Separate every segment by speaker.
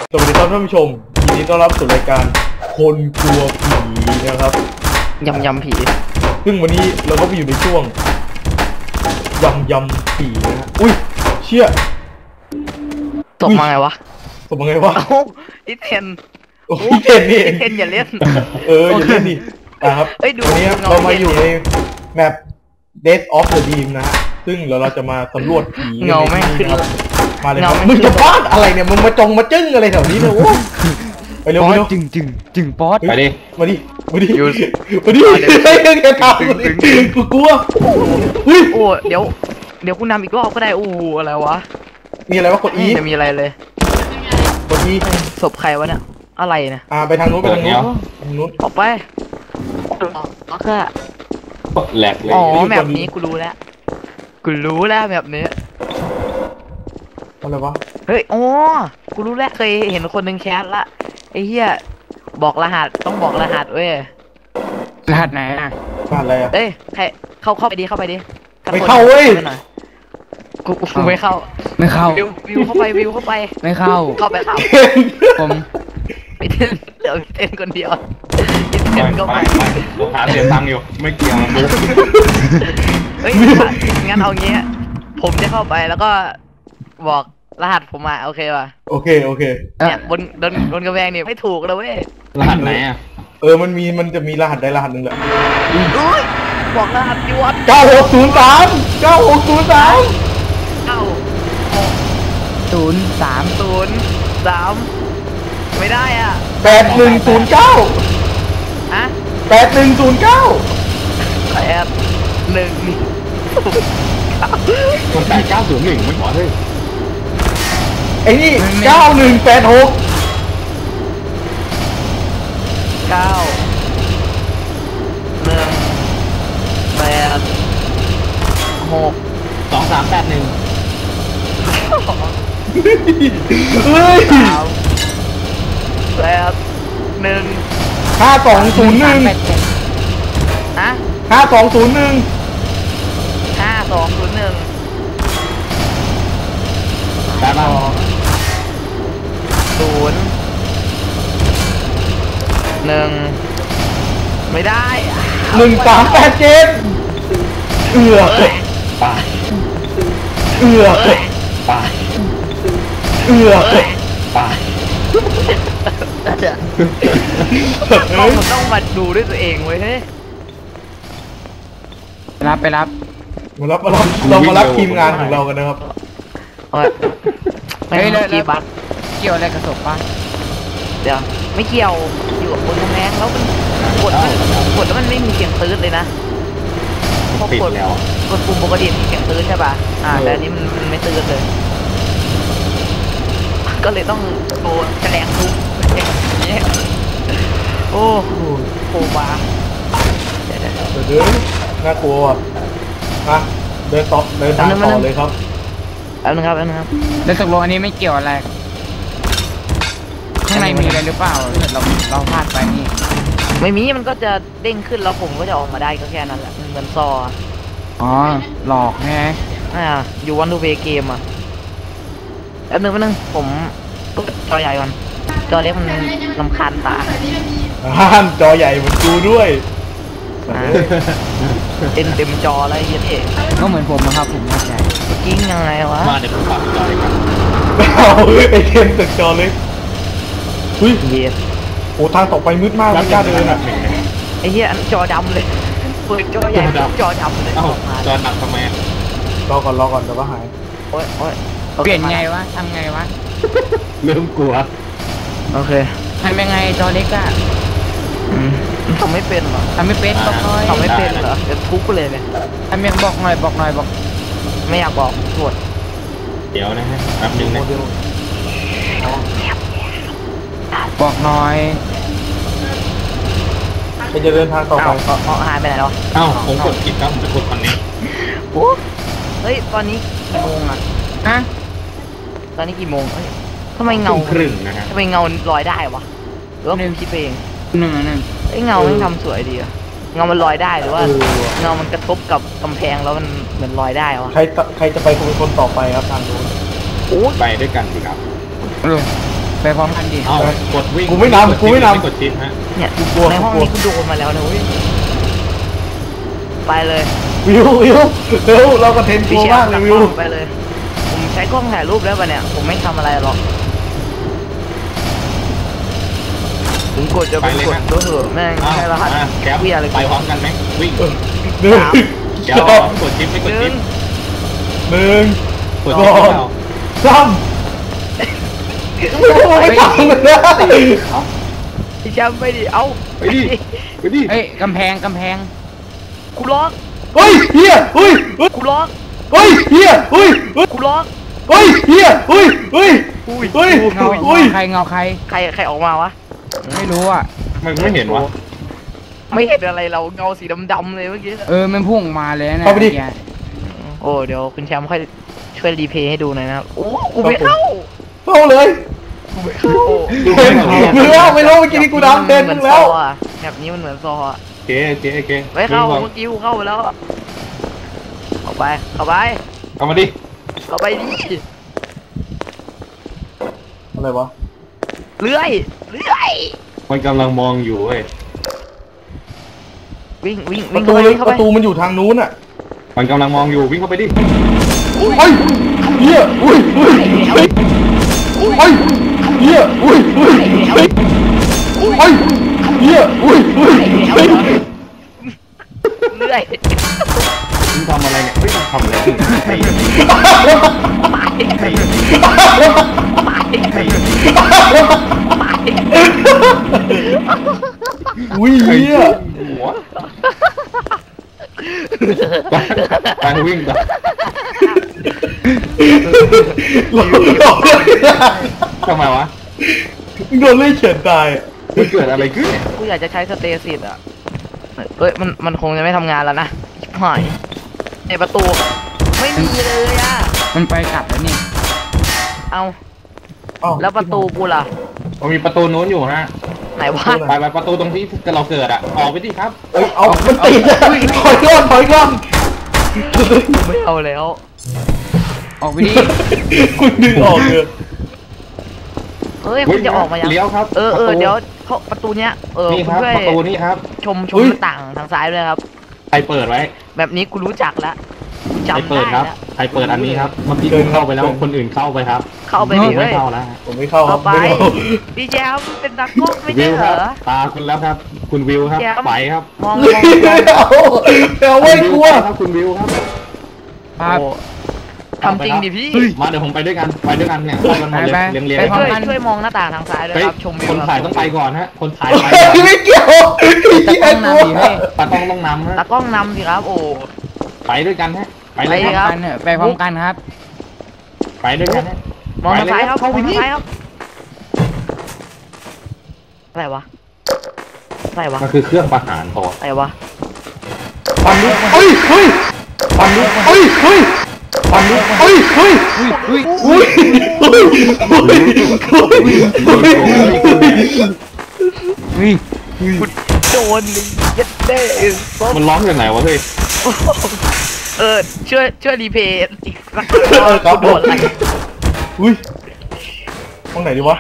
Speaker 1: สวัสดีครับท่านผู้ชมยินดีต้อนรับสู่รายการคนกลัวผีนะครับ
Speaker 2: ยำผี
Speaker 1: ซึ่งวันนี้เราก็ไปอยู่ในช่วงยำผีนะฮะอุ้ยเชี่ย
Speaker 2: ตบมาไงวะ
Speaker 1: ตบมาไงวะ
Speaker 2: อีเทน
Speaker 1: โอ้ยเทนนี่
Speaker 2: เทนอย่าเล่น
Speaker 1: อย่าเล่นดิครับวันนี้เรามาอยู่ในแมป Death of the Dream นะฮะซึ่งเราจะมาสำรวจผี
Speaker 2: เงาไม่ขึ้น
Speaker 1: มาเลยมึงจะพลาดอะไรเนี่ยมึงมาจงมาจึ้งอะไรแถวนี้เนี่ยโอ้ไปเร็ว
Speaker 2: จึงป๊อด
Speaker 1: มาดิมาดิเดี๋ยวทำกูกลัว
Speaker 2: โอ้เดี๋ยวกูนำอีกรอบก็ได้อะไรวะ
Speaker 1: มีอะไรวะกด E
Speaker 2: จะมีอะไรเลย
Speaker 1: กด E
Speaker 2: ศพใครวะเนี่ยอะไรเนี่ย
Speaker 1: ไปทางนู้น
Speaker 2: ออกไปก็
Speaker 3: แหลกเลย
Speaker 2: อ๋อแบบนี้กูรู้แล้วแบบนี้
Speaker 1: อะไรวะ
Speaker 2: เฮ้ยอ๋อกูรู้แล้วเคยเห็นคนหนึ่งแคสละไอ้เหี้ยบอกรหัสต้องบอกรหัสเว้ยรหัสไหนอ่ะ
Speaker 1: รหัสอะไรอ่ะ
Speaker 2: เอ้ยใครเข้าไปดิ
Speaker 1: ไม่เข้าเว้ย
Speaker 2: กูไม่เข้าวิวเข้าไป
Speaker 4: ไม่เข้าผม
Speaker 2: ไปเต้นเหลือเต้นคนเดียวเต้นก็ไป
Speaker 3: หาเสียตังค์อยู่ไม่เกี่ยวมึง
Speaker 2: เฮ้ยงั้นเอางี้ผมจะเข้าไปแล้วก็บอกรหัสผมมาโอเคป่ะ
Speaker 1: โอเค
Speaker 2: เนี่ยบนกระแพงนี่ไม่ถูกเลยเว้ย
Speaker 3: รหัสไหนอ่ะ
Speaker 1: มันจะมีรหัสใดรหัสหนึ่งแหละ
Speaker 2: บอกรหัสดิวัด
Speaker 1: 9603
Speaker 2: ไม่ได้อ่ะ
Speaker 1: 8109
Speaker 2: ฮะ
Speaker 3: คน8901ไม่บอกเลย
Speaker 1: ไอ้นี่9186
Speaker 3: 2381
Speaker 1: เฮ้ย5201
Speaker 2: ฮะ
Speaker 1: 5201
Speaker 3: ได้ป่ะ
Speaker 2: 1ไม่ได้
Speaker 1: 1387
Speaker 3: ไป
Speaker 2: ต้องมาดูด้วยตัวเองเว้ยเฮ้ย
Speaker 4: ไปรับ
Speaker 1: เรามารับทีมงานของเรากันนะครับ
Speaker 2: เฮ้ยกี่บัตร
Speaker 4: เกี่ยวอะไรกับศพป่ะ
Speaker 2: เดี๋ยวไม่เกี่ยวอยู่กับบนกำแพงแล้วมันกดแล้วมันไม่มีเสียงตื้นเลยนะ
Speaker 3: ปิดแล้ว
Speaker 2: กดปุ่มปกติมีเสียงตื้นใช่ป่ะแต่อันนี้มันไม่ตื้นเลยก็เลยต้องโดนแฉลงทุบอย่างนี้โอ้โหบา
Speaker 1: เดี๋ยวน่ากลัวเดินทางต่อเลยครับ
Speaker 2: แล้วนะครับ
Speaker 4: แล้วตกลงอันนี้ไม่เกี่ยวอะไรข้างในมีอะไรหรือเปล่าเราพลาดไปนี่
Speaker 2: ไม่มีมันก็จะเด้งขึ้นแล้วผมก็จะออกมาได้ก็แค่นั้นแหละเหมือนซอ
Speaker 4: อ๋อหลอกไง
Speaker 2: อยู่วันดูเวเกมแป๊บนึงผมจอใหญ่ก่อนจอเล็กมันรำคาญตา
Speaker 1: จอใหญ่เหมือนกูด้วย
Speaker 2: เต็มจออะไรเยอะเอง
Speaker 4: ก็เหมือนผมนะครับผมเข้าใจ
Speaker 2: กิ้งยังไงวะ
Speaker 3: มาเดี๋ยวผมปรับจอเลยครับ
Speaker 1: ไอเทมตึกจอเล็กเฮ้ยโอ้ทางต่อไปมืดมากไม่กล้าเดิน
Speaker 2: ไอ้เหี้ยจอดำเลยเปิดจอใหญ่จอดำเลย
Speaker 3: จอหนักทำไม
Speaker 1: รอก่อนเดี๋ยวก็หาย
Speaker 2: โอ้ย
Speaker 4: เปลี่ยนไงวะทำไงวะ
Speaker 3: เริ่มกลัว
Speaker 2: โอเค
Speaker 4: ทำยังไงจอเล็กอะ
Speaker 2: ทำไม่เป็นเหรอ
Speaker 4: ทำไม่เป็นบอกหน่อย
Speaker 2: ทำไม่เป็นเหรอจะทุบเลยเนี่ย
Speaker 4: ทำยังบอกหน่อย
Speaker 2: ไม่อยากบอกปวด
Speaker 3: เดี๋ยวนะฮะแป๊บนึงนะ
Speaker 4: บอกหน่อย
Speaker 1: จะเดินทางต่อไป
Speaker 2: หายไปไหนแล้ว
Speaker 3: ผมกดผิดครับผมจะกดคนนี้
Speaker 2: เฮ้ยตอนนี้กี่โมงตอนนี้กี่โมงทำไมเงา
Speaker 3: ครึ่งนะฮะ
Speaker 2: ทำไมเงาลอยได้วะหรือว่ามึงคิดเองไอ้เงามันทำสวยดีอะเงามันลอยได้หรือว่าเงามันกระทบกับกำแพงแล้วมันเหมือนลอยได้วะ
Speaker 1: ใครจะไปเป็นคนต่อไปครับทางนู้น
Speaker 3: ไปด้วยกันดีครับ
Speaker 4: ไปไปพร้อมกันดิ
Speaker 3: เอ้ากดวิ่ง
Speaker 1: กูไม่นำกูไม่นำ
Speaker 3: กดชิปฮะ
Speaker 2: เนี่ย
Speaker 1: กูกลัว
Speaker 2: ในห้อง
Speaker 1: กูกลัว
Speaker 2: นี้กูโดนมาแล้วนะเว้ยไปเลย
Speaker 1: วิวเร็วเราก็เทนโก
Speaker 2: พี่แช
Speaker 1: มาก
Speaker 2: มป์
Speaker 1: เลย
Speaker 2: ก
Speaker 1: วิว
Speaker 2: ล้องไปเลย ผมใช้กล้องถ่ายรูปแล้วปะเนี่ยผมไม่ทำอะไรหรอกถึงกดจะไปกดตัวเถอะแม่ง
Speaker 3: อ้าว
Speaker 2: ใช่รหัส
Speaker 3: มาแคป
Speaker 2: เวียอะไร
Speaker 3: ไปพร้อมกันไหมวิ่ง
Speaker 1: หนึ่ง
Speaker 3: เดี๋ยวกดชิปไม่กด
Speaker 2: ห
Speaker 3: ชิ
Speaker 2: นึ่
Speaker 3: ป
Speaker 2: ง
Speaker 1: หนึ่ง
Speaker 3: กดชิปไม่เอา
Speaker 1: สามไม่ทำเลยนะ
Speaker 2: พี่แชมป์ไปดิเอ้า
Speaker 3: ไปดิไปดิ
Speaker 4: เอ้ยกำแพง
Speaker 2: กูล็อก
Speaker 1: เฮ้ยเฮียเฮ้ย
Speaker 2: กูล็อก
Speaker 1: เฮ้ยเฮียเฮ้ย
Speaker 2: กูล็อก
Speaker 1: เฮ้ยเฮียเฮ้ยเฮ้ยเฮ้ย
Speaker 4: เงา
Speaker 1: เฮ้ย
Speaker 4: ใครเงาใคร
Speaker 2: ใครออกมาวะ
Speaker 4: ไม่รู้อ่ะ
Speaker 3: มันไม่เห็นวะ
Speaker 2: ไม่เห็นอะไรเราเงาสีดำๆเลยเมื่อกี้
Speaker 4: มันพุ่งออกมาเลยนะ
Speaker 1: เข้าไปดิ
Speaker 4: เมื่อกี้
Speaker 2: โอ้เดี๋ยวคุณแชมป์ค่อยช่วยรีเพย์ให้ดูหน่อยนะครับโอ้กูไม่เข้า
Speaker 1: เข้าเลย
Speaker 2: กูไม่เข้า
Speaker 1: เห็นมึงแล้วไม่รู้เมื่อกี้นี่กูดำเต็ม
Speaker 2: เหมือน
Speaker 1: แล้ว
Speaker 2: ซออะแบบนี้มันเหมือนซออะ
Speaker 3: เก๋เก๋
Speaker 2: ไม่เข้า
Speaker 3: วิ่ง
Speaker 2: เมื่อกี้กูเข้าไปแล้วเข้าไปเข้าไป
Speaker 3: เอามาดิ
Speaker 2: เข้าไปดิ
Speaker 1: อะไรวะ
Speaker 2: เลื่อย
Speaker 3: มันกำลังมองอยู่เว้ย
Speaker 2: วิ่ง
Speaker 1: ประ
Speaker 2: เข้า
Speaker 1: ตู
Speaker 2: ไป
Speaker 1: เลย
Speaker 2: เข้า
Speaker 1: ป
Speaker 2: ไประ
Speaker 1: ตูมันอยู่ทางนู้นอ่ะ
Speaker 3: มันกำลังมองอยู่วิ่งเข้าไปดิ
Speaker 1: เฮ้ยเฮียอุ้ยเฮ้ยเฮ้ยเฮ้ยเฮียอุ้ยเฮ้ยเฮ้ยเฮ้ยเฮียอุ้ยเฮ้ยเฮ้ย
Speaker 2: เลื่อย
Speaker 3: มึงทำอะไรเนี่ยเฮ้ยมึงทำอะไรเนี่ยไอ้
Speaker 1: อุ้ยเฮีย
Speaker 3: หัวไปวิ่งไป
Speaker 1: หลอกเลย
Speaker 3: ทำไมวะ
Speaker 1: โดนเลื่อยเฉียดตายอ่ะ
Speaker 3: มันเกิดอะไรขึ้นเนี่ย
Speaker 2: กูอยากจะใช้สเตซิสอะเอ้ยมันคงจะไม่ทำงานแล้วนะชิบหายในประตูไม่มีเลยอะ
Speaker 4: มันไปกลับแล้วนี่
Speaker 2: เอา
Speaker 1: อ้า
Speaker 2: แล้วประตูกูล่ะ
Speaker 3: มันมีประตูนู้นอยู่ฮะ
Speaker 2: ไหนวะ
Speaker 3: ไปประตูตรงที่เราเกิดอ่ะออกไปดิครับ
Speaker 1: เอ้ยเอามันติดอ่ะถอยก่อนถอยก่อน
Speaker 2: กูไม่เอาแล้ว
Speaker 4: ออกไปดิ
Speaker 1: คุณดึงออกเลย
Speaker 2: เฮ้ยคุณจะออกมายัง
Speaker 3: เลี้ยวครับ
Speaker 2: เออ
Speaker 3: ประตู
Speaker 2: เดี๋ยวเขาประตูเนี้ย
Speaker 3: นี่
Speaker 2: คุ
Speaker 3: ค
Speaker 2: ณ
Speaker 3: รับ
Speaker 2: ช่วย
Speaker 3: ประตูนี่ครับ
Speaker 2: ชม
Speaker 1: อุ๊
Speaker 2: ห
Speaker 1: ย
Speaker 2: น้าต่างทางซ้ายด้วยครับ
Speaker 3: ใครเปิดไว้
Speaker 2: แบบนี้กูรู้จักแล้วกู
Speaker 3: ใคร
Speaker 2: จำ
Speaker 3: เปิ
Speaker 2: ได้
Speaker 3: ดครับ
Speaker 2: แล้ว
Speaker 3: ใครเปิดอันนี้ครับเมื่อกี้คุณเข้าไปแล้วคนอื่นเข้าไปครับ
Speaker 2: เข้าไปดิ
Speaker 3: ไม่
Speaker 2: เฮ้ย
Speaker 3: เข้าแล้ว
Speaker 1: ผมไม่เข้าครั
Speaker 2: เข้า
Speaker 1: บ
Speaker 2: ไป
Speaker 1: ไม่เข้า
Speaker 2: พี่แจมเป็นตากล้องไม่
Speaker 3: วิ
Speaker 2: ใช่
Speaker 3: ว
Speaker 2: เห
Speaker 3: ค
Speaker 2: ร
Speaker 3: รับ
Speaker 2: อ
Speaker 3: ตาคุณแล้วครับ คุณวิวครับ
Speaker 2: แจ๊บ
Speaker 3: ไปครับ
Speaker 2: มอง
Speaker 1: เอาไม่กลัว
Speaker 3: ครับคุณวิวครับ
Speaker 4: ครับ
Speaker 2: โอ้ทำจริงดิพี่
Speaker 3: มาเดี๋ยวผมไปด้วยกันเนี่ยเข้ากันหมดเลย
Speaker 4: ไป
Speaker 3: เรียงเรียง
Speaker 4: ไปพร้อ
Speaker 2: ช่วย
Speaker 4: กัน
Speaker 2: ช่วยมองหน้าต่างทางซ้ายด้วย
Speaker 3: เฮ้ย
Speaker 2: ครับชมวิว
Speaker 3: คนถ่ายต้องไปก่อนฮะคนถ่ายไป
Speaker 1: ไม่เกี่ยวไอ้เหี้ยกลัว
Speaker 3: ตากล้องต้องนำฮะ
Speaker 2: ตากล้องนำสิครับ โอ้
Speaker 3: ไปด้วยกันฮะไป
Speaker 2: ไป
Speaker 3: เลย
Speaker 2: ค
Speaker 3: ค
Speaker 2: รั
Speaker 3: รับ
Speaker 2: บ
Speaker 4: กันเถอะไปพร้อมกันครับ
Speaker 3: ไปด้วยกันฮะ
Speaker 2: มองทางซ้ายครับม
Speaker 3: เข้า
Speaker 2: อง
Speaker 3: ไป
Speaker 2: ทาง
Speaker 3: นี่
Speaker 2: ซ้ายครับอะไรวะอะไรวะ
Speaker 3: มันคือเครื่องประหารพอ
Speaker 2: อะไรวะ
Speaker 1: ปันลุกเฮ้ยเฮ้ยปันลุกเฮ้ยเฮ้ยปันลุกเฮ้ยเฮ้ย
Speaker 4: อุ้ย
Speaker 1: อุ้ยเฮ้ยเฮ้ยเฮ้ย
Speaker 4: อุ้ย
Speaker 2: โดนเลยยัดเด้ซบ
Speaker 3: มันร้องจากไหนวะเฮ้ย
Speaker 2: ช่วยรีเพย์อีกสัก
Speaker 1: ครับ
Speaker 2: โดนอะไร
Speaker 1: อุ้ยห้องไหนดีวะ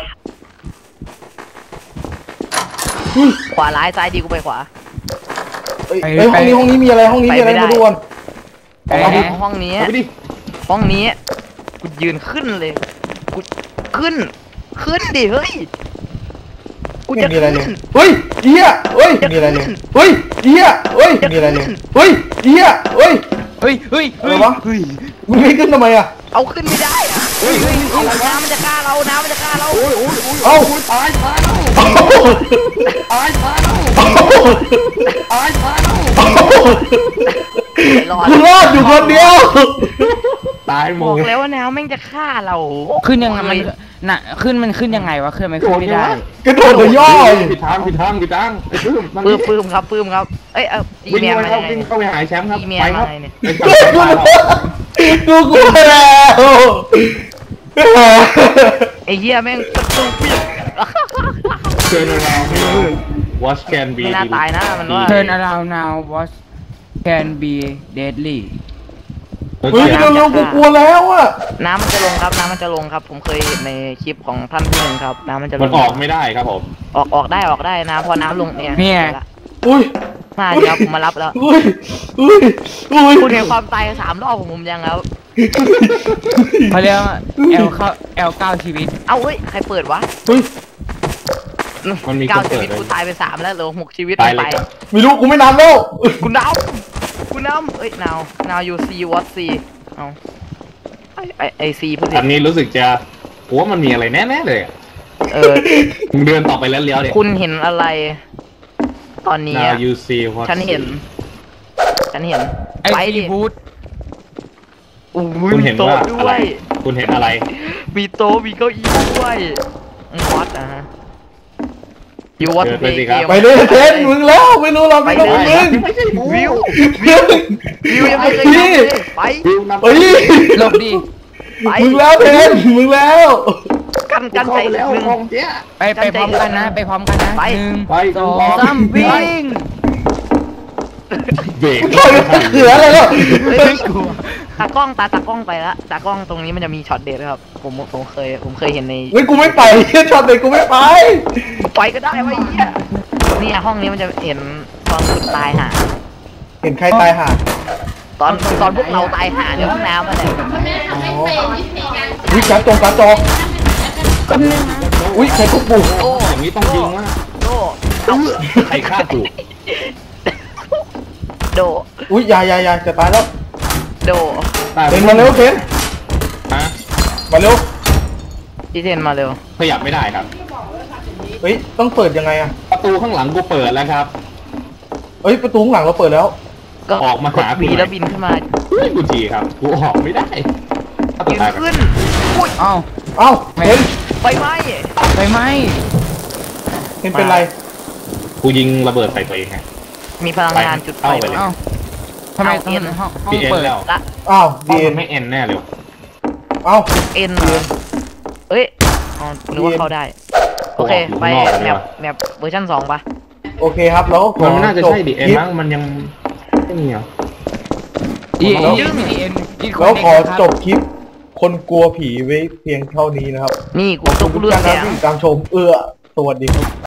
Speaker 1: อุ้ย
Speaker 2: ขวาร้ายซ้ายดีกูไปขวา
Speaker 1: เอ้ยห้องนี้มีอะไรห้องนี้มีอะไรมาดูก่อน
Speaker 4: ไป
Speaker 2: ห้อง
Speaker 4: ไหน
Speaker 2: ห้องนี้
Speaker 3: เอาไปดิ
Speaker 2: ห้องนี้กูยืนขึ้นเลยกูขึ้นดิเฮ้ยกู
Speaker 1: ไม่
Speaker 2: จะ
Speaker 1: มีอะไรเลย
Speaker 2: ขึ้น
Speaker 1: เฮ้ยเหี้ยเฮ้ยมีอะไรเลยเฮ้ยเหี้ยเฮ้ยมีอะไรเลยเฮ้ยเหี้ยเฮ้ย
Speaker 4: เฮ้ยเฮ้ย
Speaker 1: อะไรวะมึงไม่ขึ้นทำไมอ่ะ
Speaker 2: เอาขึ้นไม่ได้อะน้ำมันจะฆ่าเราน้ำมันจะฆ่าเรา
Speaker 1: เอ้า
Speaker 3: ตายตาย
Speaker 1: เอ้า
Speaker 3: ตายตาย
Speaker 1: เอ้า
Speaker 3: ตายตาย
Speaker 2: รอด
Speaker 1: กูรอดอยู่คนเดียว
Speaker 3: ตายหม
Speaker 2: บอ
Speaker 3: ด
Speaker 2: กแล้วว่าน้ำแม่งจะฆ่าเรา
Speaker 4: ขึ้นยังไงมันน่ะขึ้นยังไงวะขึ้นไม่ขึ้นไม่ได้
Speaker 1: กระโดดเลยย่อ
Speaker 3: ผิดทางไอ้ปื้ม
Speaker 2: ปื้มครับเอ้ยจี
Speaker 3: วิ่ง
Speaker 2: เมีย
Speaker 3: เข้า
Speaker 2: มา
Speaker 3: ไป
Speaker 2: ไง
Speaker 3: วิ่งเข้าไปหาแชมป์ครับ
Speaker 2: จีเมีย
Speaker 3: ไปค
Speaker 2: มา
Speaker 3: รับ
Speaker 2: ไงเนี่ย
Speaker 3: ไปจับตายเรา
Speaker 1: กูกลัวแล้ว
Speaker 2: ไอ้เหี้ยแม่งต้องปิด
Speaker 3: เชิญเรา Watch can be
Speaker 2: ไม่น่าตายนะมันว่า
Speaker 4: Turn around now what can be deadly
Speaker 1: เฮ้ยเร็วๆกูกลัวแล้วอะ
Speaker 2: น้ำมันจะลงครับน้ำมันจะลงครับ ผมเคยเห็นในคลิปของท่านผู้หนึ่งครับน้ำมันจะล
Speaker 3: มัน
Speaker 2: ง
Speaker 3: ออกไม่ได้ครับผม
Speaker 2: ออกได้นะพอน้ำลงเนี่ย
Speaker 4: เนี่ย
Speaker 2: ละ
Speaker 1: อุ้ย
Speaker 2: มาดิครับผมมารับแล้ว
Speaker 1: อุ้ยอุ้ย
Speaker 2: คุณเห็นความตาย3 รอบของผมยังครับ
Speaker 4: เขาเรียกว่าL9 ชีวิต
Speaker 2: เอ้าเฮ้ยใครเปิดวะ
Speaker 1: เฮ้ย
Speaker 3: มันมีคน
Speaker 2: 9 ชี
Speaker 3: เปิด
Speaker 2: วิต
Speaker 3: เลย
Speaker 2: กูตายไป3แล้วเหลือ6 ชีวิต
Speaker 3: ตาย
Speaker 2: ไป
Speaker 3: เลยครับ
Speaker 1: ไม่รู้กูไม่นำแล้ว
Speaker 2: คุณน้ำเอ้ย now you see what see เอาไอซีพูด
Speaker 3: อันนี้รู้สึกจะผมว่ามันมีอะไรแน่ๆเลยอะ มึงเดินต่อไปแล้วเลี้ยวเดี๋ยว
Speaker 2: คุณเห็นอะไร ตอนนี้
Speaker 3: Now
Speaker 2: อะ
Speaker 3: you see what
Speaker 2: ฉันเห็น
Speaker 4: ไอ
Speaker 2: ไป
Speaker 4: ซี
Speaker 2: ดิ
Speaker 4: บูธ
Speaker 2: อู้
Speaker 3: คุณเห็น
Speaker 2: โต๊ะ
Speaker 3: ว่า
Speaker 2: ด้
Speaker 3: อะไร
Speaker 2: วย
Speaker 3: คุณเห็นอะไร
Speaker 2: มีโต๊ะมีเก้าอี้ด้วยวัดนะฮะยูวัด
Speaker 3: เดิน
Speaker 2: เพ
Speaker 3: ไป
Speaker 2: ย์
Speaker 3: สิ
Speaker 2: เก
Speaker 3: ครับ
Speaker 2: ม
Speaker 1: ไปเลยเทนมึงแล้วไม่รู้เรา
Speaker 2: ไป
Speaker 1: ไม่
Speaker 2: เล
Speaker 1: รู้
Speaker 2: ย
Speaker 1: มึง
Speaker 3: ไม่ใช่กู
Speaker 2: วิว
Speaker 1: วิว
Speaker 2: ยังไม่เคยทำเลยไป
Speaker 3: วิวนำ
Speaker 1: เฮ้ย
Speaker 4: หลบดิ
Speaker 2: ไป
Speaker 1: มึงแล้วเทนมึงแล้ว
Speaker 2: กัน
Speaker 3: เข้า
Speaker 2: ใจ
Speaker 3: ไปแล้ว
Speaker 2: หนึ่ง
Speaker 3: ของเจ๊ย
Speaker 4: ไปพร้อมกันนะ ไปพร้อมกันนะ
Speaker 2: ไป
Speaker 4: หนึ่ง
Speaker 3: ไป
Speaker 4: สอง
Speaker 3: ไป
Speaker 4: สามวิ่ง
Speaker 3: เบรก
Speaker 1: เขืออะไรแล้ว
Speaker 2: ตากล้องไปละตากล้องตรงนี้มันจะมีช็อตเด็ดครับผมเคยเห็นใน
Speaker 1: เฮ้ยกูไม่ไปช็อตเด็กกูไม่ไป
Speaker 2: ไปก็ได้วะไอ้เหี้ยเนี่ยห้องนี้มันจะเห็นตอนคุณตายห่า
Speaker 1: เห็นใครตายห่า
Speaker 2: ตอนพวกเราตายห่าในห้องน้ำมาเนี่ย
Speaker 1: อ๋ออุ้ยการจออุ้ยใครทุบปู่
Speaker 2: โอ้
Speaker 3: อย่างนี้ต้องยิงว่า
Speaker 2: โดเอา
Speaker 3: ใครฆ่ากู
Speaker 2: โด
Speaker 1: อุ้ยยายจะตายแล้ว
Speaker 2: โด
Speaker 3: ตาย
Speaker 1: เทนมาเร็วเทน
Speaker 3: ฮะ
Speaker 1: มาเร็ว
Speaker 2: พี่เทนมาเร็ว
Speaker 3: ขยับไม่ได้ครับ
Speaker 1: เฮ้ยต้องเปิดยังไงอะ
Speaker 3: ประตูข้างหลังกูเปิดแล้วครับ
Speaker 1: เฮ้ยประตูข้างหลังเราเปิดแล้ว
Speaker 2: ก็
Speaker 3: ออกมาหา
Speaker 2: บีแล้วบินขึ้นมา
Speaker 3: เฮ้ยกูจีครับ กูออกไม่ได้ถ้าตัว
Speaker 2: ยืน
Speaker 3: ตายก่อน
Speaker 2: ขึ้นอุ้ย
Speaker 4: เอ้า
Speaker 1: เอ้าเทน
Speaker 2: ไฟไหม้
Speaker 4: ไปไหม
Speaker 1: เทนเป็นไร
Speaker 3: กูยิงระเบิดใส่ตัวเองไง
Speaker 2: มีพลังงานจุดไฟ
Speaker 3: เข้าไปเลย
Speaker 4: เอ้าทำไม
Speaker 2: เอา
Speaker 4: ต้อง
Speaker 2: เอ็น
Speaker 4: ห้อง
Speaker 3: พีเอ็น
Speaker 4: เปิด
Speaker 3: แล้ว
Speaker 2: ละ
Speaker 1: อ้าว
Speaker 3: ห้อง
Speaker 1: ดีเอ็
Speaker 3: มัน นไม่เอ็นแน่เลย
Speaker 1: เอ้า
Speaker 2: เอ็นเหรอเอ้ยอ๋อนึกว่าเข้าได้ โอเค ไปแมปเวอร์ชัน2ปะ
Speaker 1: โอเคครับแล้วขอ
Speaker 3: มันน่าจะ
Speaker 1: จบ
Speaker 3: ใช่ดิเอ็น
Speaker 1: คลิป
Speaker 3: มั้งมันยังไม่มีเหรอ
Speaker 4: อี
Speaker 1: แล้ว
Speaker 4: เอ็น
Speaker 1: แล้วขอจบคลิป คนกลัวผีไว้เพียงเท่านี้นะครับ
Speaker 2: นี่กู
Speaker 1: ขอบ
Speaker 2: ต้อง
Speaker 1: คุณ
Speaker 2: กู
Speaker 1: ทุก
Speaker 2: เลือ
Speaker 1: ท่า
Speaker 2: ด
Speaker 1: น
Speaker 2: แส
Speaker 1: ครับ
Speaker 2: ง
Speaker 1: ที่ติดตามชมสวัสดีครับ